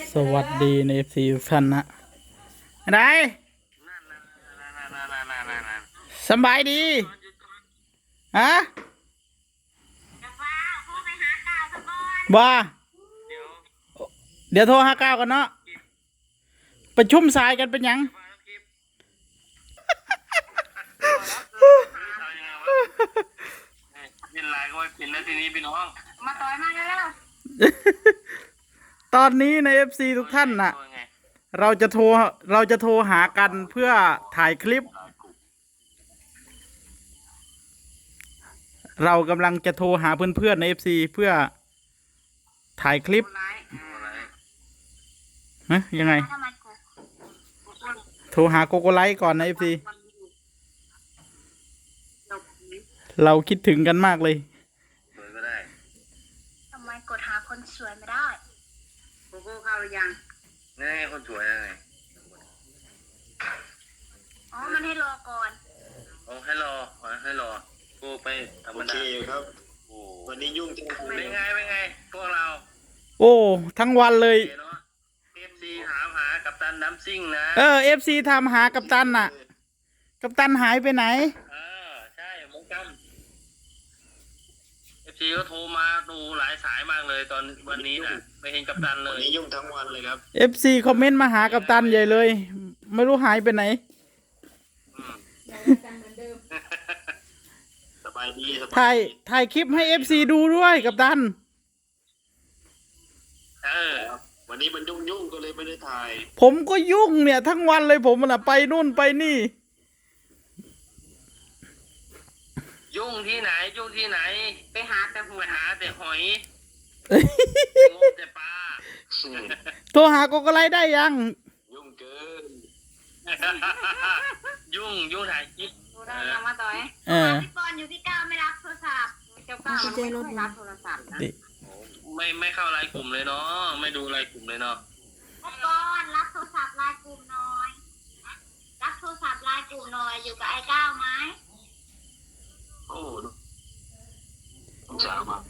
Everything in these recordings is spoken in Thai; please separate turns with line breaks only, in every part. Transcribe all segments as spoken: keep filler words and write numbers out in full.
สวัสดีในเอฟซีทุกท่านนะอะไรสบายดีฮะบ้าเดี๋ยวโทรห้าเก้ากันเนาะประชุมสายกันเป็นยัง
ยินไลน์ก็ไม่ปิดแล้วทีนี้พี่น้องมาต่อยมาแล้ว
ตอนนี้ในเอฟซีทุกท่านน่ะเราจะโทรเราจะโทรหากันเพื่อถ่ายคลิปเรากำลังจะโทรหาเพื่อนๆในเอฟซีเพื่อถ่ายคลิปฮะยังไงโทรหาโกโกไลท์ก่อนนะเอฟซีเราคิดถึงกันมากเลย
สวยไม่ได้
ทำไมกดหาคนสวยไม่ได้โกโก้เข้าหรือยัง
นี่คนสวยยังไง
อ๋อมันให้รอก่อน
โอ้ให้รอให้รอโก้ไปธรรมดาครับโอ้วันนี้ยุ่งจังเป็นไงเป็นไงพวกเรา
โอ้ทั้งวันเลย
เอฟซีถามหากัปตันน้ำซิ่งนะ
เออเอฟซีทำหากัปตันน่ะกัปตันหายไปไหน
เออใช่เหมือนกันเอฟซีก็โทรมาดูหลายสายมากเลยตอนวันนี้น่ะไม่เห็นกัปตันเลยวันนี้ยุ่งทั้งวันเลยครับ
เอฟซีคอมเมนต์มาหากัปตันใหญ่เลยไม่รู้หายไปไหน
สบายดี
ถ่ายถ่ายคลิปให้เอฟซีดูด้วยกัปตัน
เออวันนี้มันยุ่งยุ่งก็เลยไม่ได้ถ่าย
ผมก็ยุ่งเนี่ยทั้งวันเลยผมน่ะไปนู่นไปนี่
ยุ่งที่ไหนยุ่งที่ไหนไปหาแต่หอยหาแต่หอยงมแต่ปลา
โทรหาโกโกไลท์ได้ยัง
ยุ่งเกินยุ่งยุ่งถ่ายคลิป
ดูได้ยังมาต่อย
เออ
พี่ปอนอยู่ที่เก้าไม่รับโทรศัพท์เจ้าเก้าไม่ค่อยรับโทรศัพท์นะ
ไม่ไม่เข้าไลน์กลุ่มเลยเนาะไม่ดูไลน์กลุ่มเลยเนาะ
พี่ปอนรับโทรศัพท์ไลน์กลุ่มหน่อยรับโทรศัพท์ไลน์กลุ่มหน่อยอยู่กับไอ้เก้าไหม
โอ้สงสารมาก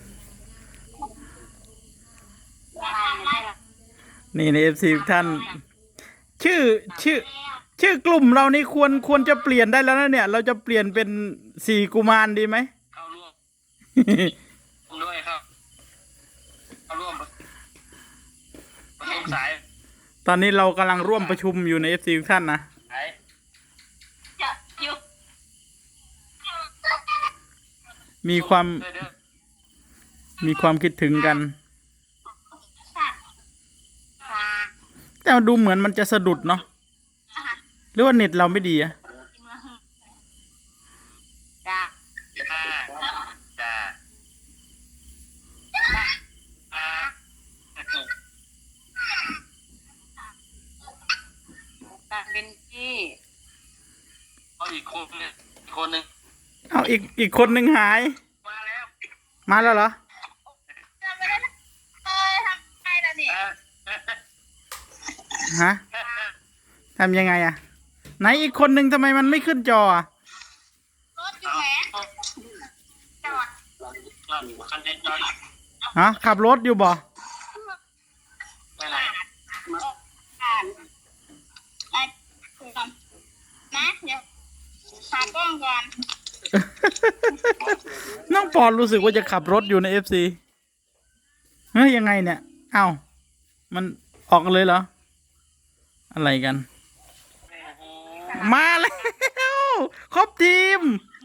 นี่ในเอฟซีท่านชื่อชื่อชื่อกลุ่มเรานี่ควรควรจะเปลี่ยนได้แล้วนะเนี่ยเราจะเปลี่ยนเป็นสี่กุมารดีไหม
เข้าร่วมด้วยครับเข้าร่วมประชุมสาย
ตอนนี้เรากำลังร่วมประชุมอยู่ในเอฟซีท่านนะมีความมีความคิดถึงกันแต่ดูเหมือนมันจะสะดุดเนาะหรือว่าเน็ตเราไม่ดีอะ
จ้าจ้าเป็นที่เอาอีกคนนึงคนหนึ่ง
เอาอีกอีกคนหนึ่งหาย
มาแล้ว
มาแล้วเหรอฮะทำยังไงอะไหนอีกคนหนึ่งทำไมมันไม่ขึ้นจออะ
รถอยู่ไหนจอด
ฮะขับรถอยู่บ่
ไปไหน
นะเดี๋ยวหากล้องก่อน
น้องปอนรู้สึกว่าจะขับรถอยู่ในเอฟซีเฮ้ยยังไงเนี่ยเอ้ามันออกเลยเหรออะไรกันมาแล้วครบทีม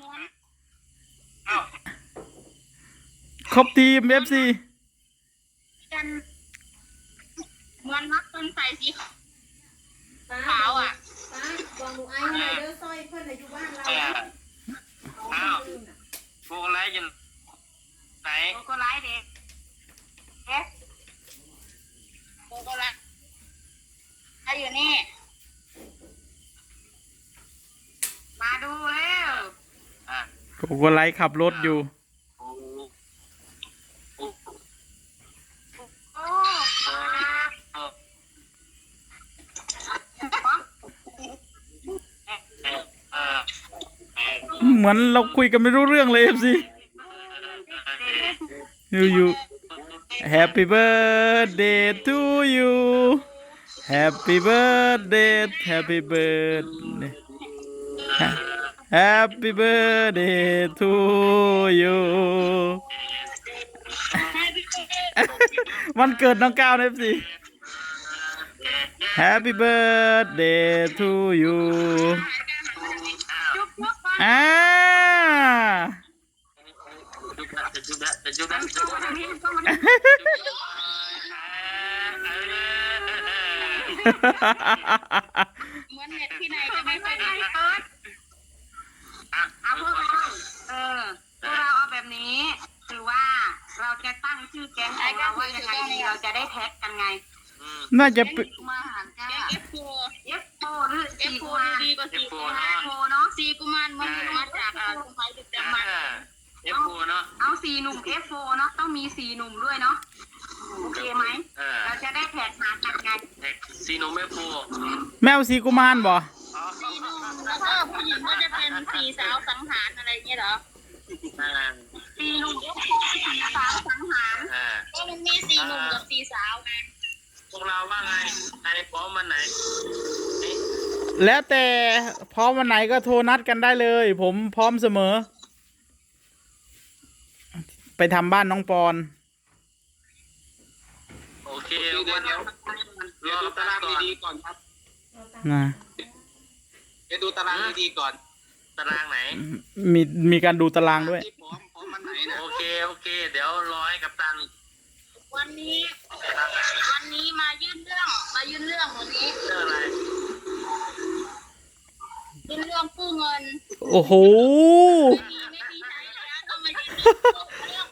ครบทีมเอฟซี
กันเหมือนมัดต้นใส่สีขาวอ่ะบอกหนูไอ้หน่อยเด้อสร้อยเพื่อนอยู่บ้านเรา
อ้าวโกโกไลท์อยู่ไหน
โกโกไลท์เด็กเอ๊ะโกโกไลท์ไอ้อยู่นี่มาดูเร็ว
โกโกไลท์ขับรถอยู่เหมือนเราคุยกันไม่รู้เรื่องเลยเอฟซีอยู่อยู่ Happy birthday to you Happy birthday Happy birthday Happy birthday to you วันเกิดน้องก้าวนะสิ Happy birthday to you
จุ๊บจุ๊บก่อน
อ่า
จะจุดละจะจุดละจะจุดละ
นี่ก็มา เหมือนเน็ตที่ไหนจะไม่ไปได้เปิดเอาพวกเราเออพวกเราเอาแบบนี้คือว่าเราจะตั้งชื่อแก๊งของเราว่ายังไงดีเราจะได้แท็กกันไง
น่าจะเป็น
มาหารกันเอฟโฟเอฟโฟหรือเอฟโฟดีกว่าสี่กุมารโฟเนาะสี่กุมารมันมาจากอ่ากุมารดึกดำบรรพ์
เอฟโฟเนาะ
เอาสี่หนุ่มเอฟโฟเนาะต้องมีสี่หนุ่มด้วยเนาะโอเคไหม
เออ
เราจะได้แท็กหากันไง
ซีโนเมโฟ
แมวสีกุมารบ่
สี่หนุ่มแล้วก็ผู้หญิงก็จะเป็นสี่สาวสังหารอะไรเงี้ยเหรอ
อ่า
สี่หนุ่มสี่สาวสังหาร
อ่า
ก็มันมีสี่หนุ่มกับสี่สาวไง
พวกเราว่าไงใครพร้อมมันไหน
แล้วแต่พร้อมวันไหนก็โทรนัดกันได้เลย ผมพร้อมเสมอ ไปทำบ้านน้องปอน
โอเควันเดี๋ยวรอตารางดีๆก่อนครับ
นะ
เดี๋ยวดูตารางดีๆก่อน ตารางไหน
มีมีการดูตารางด้วย
ที่พร้อมพร้อมมันไหนนะโอเคโอเค เดี๋ยวรอให้กับตัน
วันนี้วันนี้มายื่นเรื่องมายื่นเรื่องวันนี้
เรื่องอะไร
ยื่นเรื่องกู้เงิน
โอ้โห
ไม่มีไม่มีใช้แล้วต้องมายื่นเรื่อง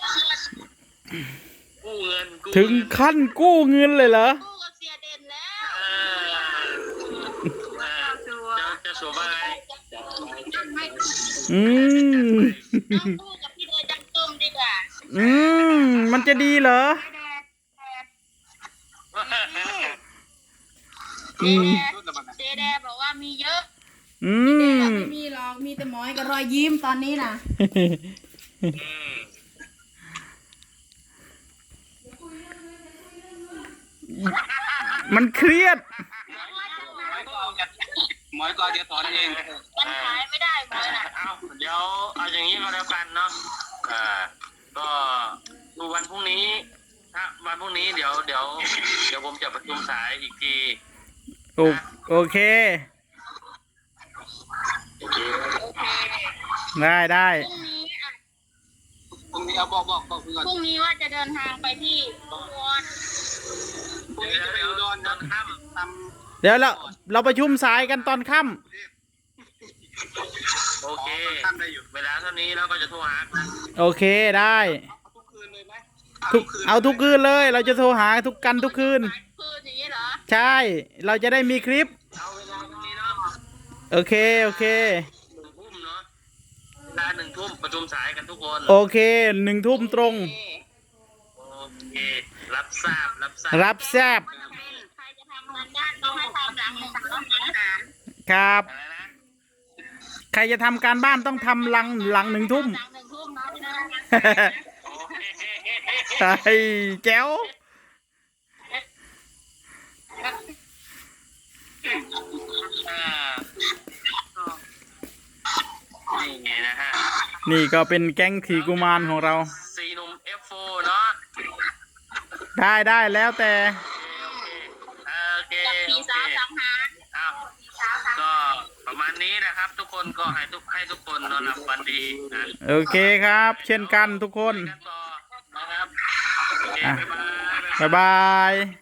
กู้เงิน
กู้เงินกู้
ถึง
เงิน
ขั้นกู้เงินเลยเหรอ
กู้กับเสียเด่นแล้ว
เออเออจะจะสวมว่าไง
ไม่
อืม
ต้องกู้กับพี่เดยจังตุ้มดีกว่า
อืม มันจะดีเหรอ
แดดแดด
อืม
เจแดบอกว่ามีเยอะ
อืม
ไม่มีหรอกมีแต่หมอยกับรอยยิ้มตอนนี้น่ะ
มันเครียด
หมอยก็จะถอนเอง
มันขายไม่ได้หมอยน่ะ
เอาเดี๋ยวเอาอย่างนี้ก็แล้วกันเนาะอ่าก็ดูวันพรุ่งนี้ถ้าวันพรุ่งนี้เดี๋ยวเดี๋ยวเดี๋ยวผมจะประชุมสายอีกที
โอโอเค
โอเค
โอเค
ได้ได้
พรุ่งนี้อ่ะ
พรุ่งนี้เอาบอกบอกบอกก่อน
พรุ่งนี้ว่าจะเดินทางไปที่อุบล
พรุ่งนี้จะไปอุดรตอนค่ำท
เดี๋ยวเราเราประชุมสายกันตอนค่
ำโอเคเวลาเท่านี้เราก็จะโทรหา
ำโอเคได้
ทุกคืนเลยไหม
ทุกเอาทุกคืนเลย เราจะโทรหาทุกกันทุกคืน
หลายคืนอย่างนี้เหรอ
ใช่ เราจะได้มีคลิป
เอาเวลาตรงนี้เนาะ
โอเค โอเค
หนึ่งทุ่มเนาะเวลาหนึ่งทุ่มประชุมสายกันทุกคน
โอเคหนึ่งทุ่มตรง
โอเค รับทราบ รับทราบ
รับแซบ
ใครจะทำงานด้านต้องให้ทำหลังหนึ่งต้องหาอาหาร
ครับ
อะไรนะ
ใครจะทำการบ้านต้องทำหลังหลังหนึ่งทุ่ม
หลังหนึ่งทุ่มเนาะพี่นะ
โอเค
ใช่แจ๋ว
อ่านี่ไงนะฮะ
นี่ก็เป็นแก๊งขี่กุมารของเรา
ซีหนุ่ม เอฟ โฟ เนาะ
ได้ได้แล้วแต่
โอเค โอเค
กับ
โอ
ผี
เค
สาวสังหาร
อ้าว
ผีสาวสังหาร
ก็ประมาณนี้นะครับ ทุกคนก็ให้ทุกให้ทุกคนนอนหลับฝันดีนะ
โอเคครับ เช่นกันทุกคน
คุยกันต่อนะครับโอเค
อ่ะ
บ๊ายบาย
บ๊ายบาย